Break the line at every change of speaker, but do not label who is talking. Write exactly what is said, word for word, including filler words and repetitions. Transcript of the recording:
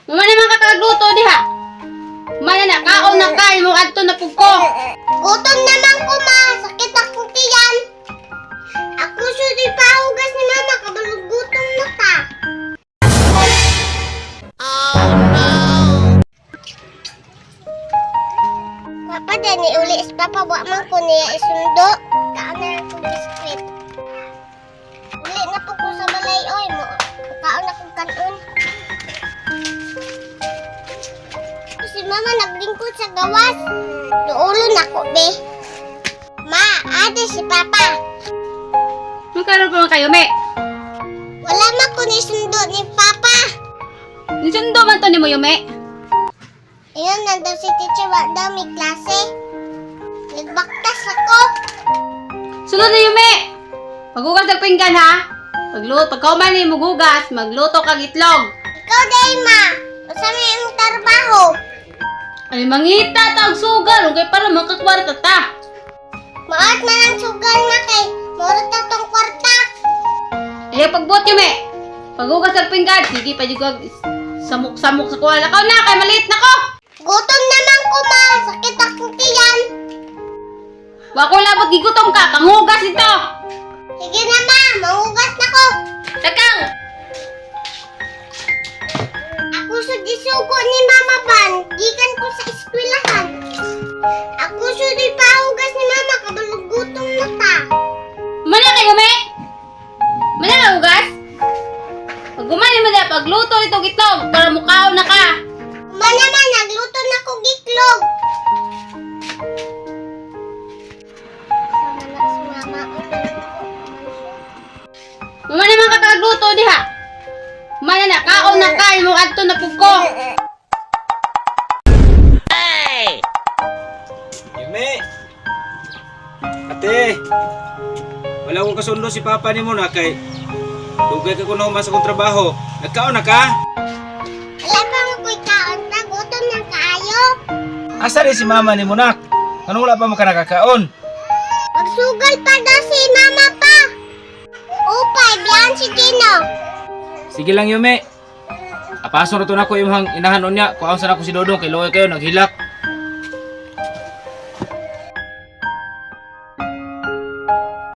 Muna naman kakagluto diha. Mana na kaon na kay mo adto na pug ko.
Gutom naman ko, ma. Sakit akong tiyan. Ako sudi pahugas ni mama. Kabalog gutom na ta. Papa, dani uli is papa. Wa man ko niya isundo. Kaan na lang kong biskwit. Uli na po ko sa balay. Oy, mo. Kaan na kong kanon. Si mama naglingkod sa gawas. Duulon ako, be. Ma, ate si papa.
Magkaroon pa man kayo, me.
Wala man ko ni sundo ni papa.
Nisundo man to ni mo, Yume.
Ayun, nandun si teacher. Wala daw may klase. Nagbaktas ako.
Sunod na, Yume. Paghugas ng pinggan, ha? Pagluto, pagkauman ni maghugas, magluto kag itlog.
Ikaw, day, ma. Masama yung trabaho.
Ay, mangita tawag sugal. Okay, para makakwarta ta.
Maat man ang sugal na kay. Murot na tong kwarta.
Eh, pagbuot, Yume. Paghugas ng pinggan, sige pa jugag samok-samok sa kuwala. Kao na, kay maliit na ko.
Gutom naman ko, ma. Sakit akong tiyan.
Wa ko labot gigutom ka, panghugas ito.
Sige na, ma. Mahugas na ko.
Takang.
Ako sudi suko ni Mama Ban. Gikan ko sa eskwelahan. Ako sudi pahugas ni Mama. Kabalog gutom na ta.
Mana kayo, me? Mana ka hugas? Pag gumani mo na, pagluto itong itlog, para mukhaon na ka.
Kuma naman, nagluto na ko giklog. Sama na si Mama.
Mama naman kakagluto diha. Mana na, kaon na kay mo adto na pug ko.
Yume! Ate! Wala akong kasundo si Papa ni mo na kay dugay ka kuno mas akong trabaho. Nagkaon na ka?
Wala pa mo ko'y kaon na. Gutom ng kaayo.
Asa rin si Mama ni mo nak? Ano wala pa mo ka nakakaon?
Magsugal pa daw si Mama pa. Upay, biyan si Gino.
Sige lang Yume. Apaso na to na ko yung inahanon niya. Kuhaon sana ko si Dodong kay Loy kayo naghilak.